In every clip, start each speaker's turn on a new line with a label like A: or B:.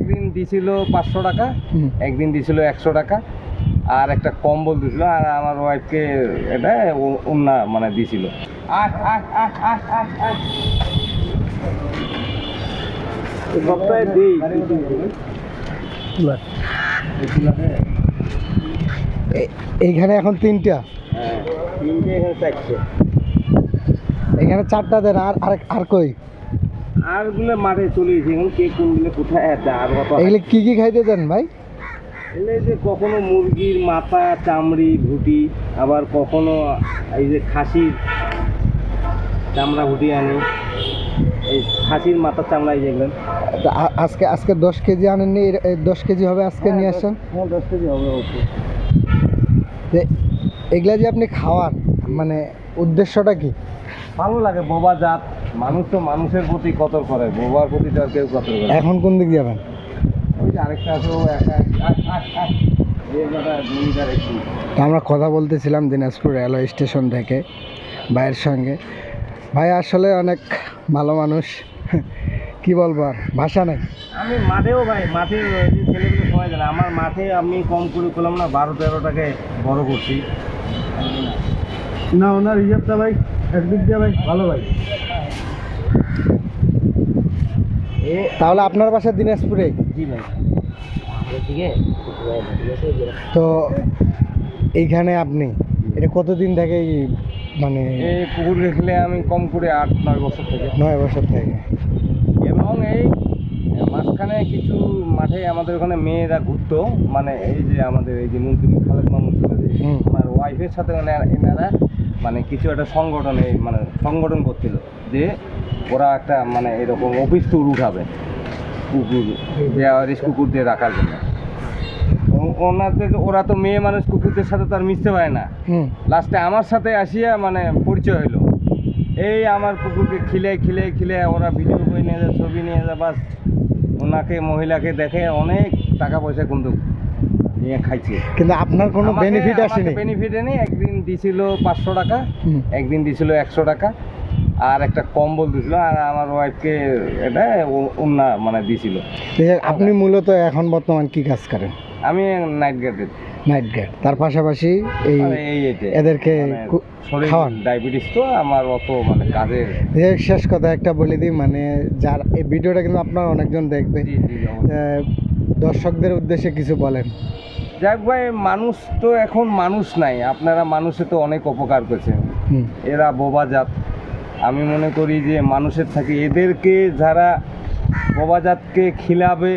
A: একদিন দিছিল 500 টাকা, একদিন দিছিল 100 টাকা, আর একটা কম্বল দিছিল, আর আমার ওয়াইফকে এটা ওন্না মানে দিছিল। সপ্তাহে দিই
B: এইখানে এখন 3টা,
A: হ্যাঁ 3টে, এখানে 4টে,
B: এখানে 4টা দেন। আর কই
A: আর গুলো মাঠে চলে গেছে। এখন কে কোনগুলো কোথায় আছে আর কত।
B: এগুলো কি খাইতে দেন ভাই?
A: এলে যে কখনো মুরগির মাথা, চামড়ি, ভুটি, আবার কখনো এই যে খাসির চামড়া ভুটি আনি, এই খাসির মাথার চামড়া যেগুলো।
B: আজকে 10 কেজি আনেননি? 10 কেজি হবে আজকে নিয়ে আসছেন?
A: হ্যাঁ 10 কেজি হবে ওকে।
B: এগুলা যে আপনি খাওয়ান, মানে উদ্দেশ্যটা কি?
A: ভালো লাগে, বোবা জাত মানুষ তো মানুষের প্রতি কদর করে, বোবার প্রতি তো আর কেউ কদর করে।
B: এখন কোন দিক যাবেন?
A: ওই যে আরেকটা আছে, ও একা
B: তো আমরা কথা বলতেছিলাম দিনাজপুর রেলওয়ে স্টেশন থেকে ভাইয়ের সঙ্গে। ভাই আসলে অনেক ভালো মানুষ, কি বলবো, আর ভাষা নাই।
A: আমি মাঠেও ভাই, মাঠে যে ছেলেগুলো সবাই জানে, আমার মাঠে আমি কম করে করলাম না, 12-13টাকে বড় করছি না। ওনার হিসাবটা ভাই একদিক দিয়ে ভাই ভালো ভাই।
B: তাহলে আপনার বাসা দিনাজপুরে?
A: জি ভাই।
B: তো এইখানে আপনি এটা কতদিন থেকে মানে?
A: এই পুকুর খেলে আমি কম করে 8-9 বছর থেকে।
B: 9 বছর থেকে।
A: এবং এই মাঝখানে কিছু মাঠে আমাদের ওখানে মেয়েরা ঘুরতো, মানে এই যে আমাদের এই যে মন্ত্রী খালেদ মামুন ছিল, আমার ওয়াইফের সাথে মানে এনারা মানে কিছু একটা সংগঠনে মানে সংগঠন করছিল যে ওরা একটা মানে এরকম অফিস ট্যুর উঠাবে কুকুর, কুকুর দিয়ে রাখার জন্য। ওনাদের ওরা তো মেয়ে মানুষ, কুকুরদের সাথে তো আর মিশতে পারে না। লাস্টে আমার সাথে আসিয়া মানে পরিচয় হইলো। এই আমার কুকুরকে খিলে ওরা ভিডিও করে নিয়ে যায়, ছবি নিয়ে যায়, বাস ওনাকে মহিলাকে দেখে অনেক টাকা পয়সা কিন্তু নিয়ে খাইছে।
B: কিন্তু আপনার কোনো বেনিফিট আসেনি?
A: বেনিফিট নেই। একদিন দিছিল 500 টাকা, একদিন দিছিল 100 টাকা, আর একটা কম্বল দিছিল, আর আমার ওয়াইফকে এটা ওন্না মানে দিছিল।
B: আপনি মূলত এখন বর্তমান কি কাজ করেন?
A: আমি নাইট গার্ডের।
B: নাইট গার্ড, তার পাশাপাশি এই এদেরকে খাওয়ান।
A: ডায়াবেটিস তো আমার, অত মানে কাজের।
B: শেষ কথা একটা বলে দিই, মানে যার এই ভিডিওটা কিন্তু আপনার অনেকজন দেখবে, দর্শকদের উদ্দেশ্যে কিছু বলেন।
A: যাক ভাই, মানুষ তো এখন মানুষ নাই, আপনারা মানুষে তো অনেক উপকার করেছেন। এরা বোবা জাত, আমি মনে করি যে মানুষের থাকে এদেরকে যারা বোবা জাতকে খিলাবে,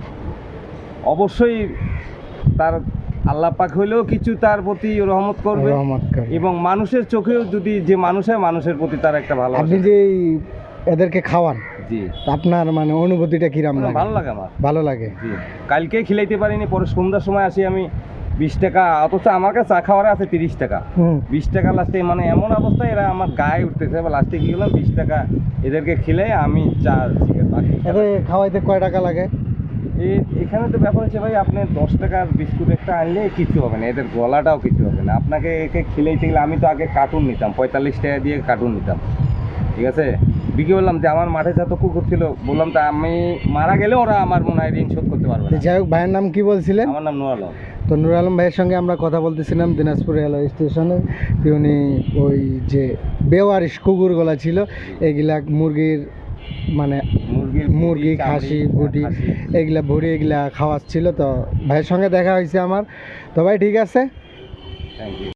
A: অবশ্যই তার আল্লাহ পাক হইলেও কিছু তার প্রতি রহমত করবে, এবং মানুষের চোখেও যদি যে মানুষের প্রতি তার একটা ভালো।
B: আপনি যে এদেরকে খাওয়ান,
A: জি,
B: আপনার মানে অনুভূতিটা কিরকম লাগে?
A: ভালো লাগে আমার,
B: ভালো লাগে।
A: জি, কালকে খিলাইতে পারিনি, পরে সন্ধ্যার সময় আসি আমি 20 টাকা, অথচ আমার কাছে চা খাওয়ারে আছে 30 টাকা। 20 টাকা লাস্টে, মানে এমন অবস্থায় এরা আমার গায়ে উঠতেছে, লাস্টে কি হলাম 20 টাকা এদেরকে খিলে আমি চা
B: খাওয়াইতে কয় টাকা লাগে?
A: এখানে তো ব্যাপার হচ্ছে ভাই, আপনি 10 টাকার বিস্কুট একটা আনলে কিছু হবে না, এদের গলাটাও কিছু হবে না। আপনাকে একে খিলাইতে গেলে, আমি তো আগে কার্টুন নিতাম, 45 টাকা দিয়ে কার্টুন নিতাম, ঠিক আছে। বিকে বললাম যে আমার মাঠে যত কুকুর ছিল, বললাম তা আমি মারা গেলে ওরা আমার মনে হয় ঋণ শোধ করতে পারবে না।
B: যাই হোক, ভাইয়ের নাম কি বলছিলেন?
A: আমার নাম নুর আলম।
B: তো নুর আলম ভাইয়ের সঙ্গে আমরা কথা বলতেছিলাম দিনাজপুর রেলওয়ে স্টেশনে। উনি ওই যে বেওয়ারিশ কুকুরগুলা ছিল, এগুলা মুরগির মানে মুরগি, খাসি, ভুটি, এগুলা ভুড়ি এগুলা খাওয়াচ্ছিল। তো ভাইয়ের সঙ্গে দেখা হয়েছে আমার। তো ভাই ঠিক আছে,
A: থ্যাংক ইউ।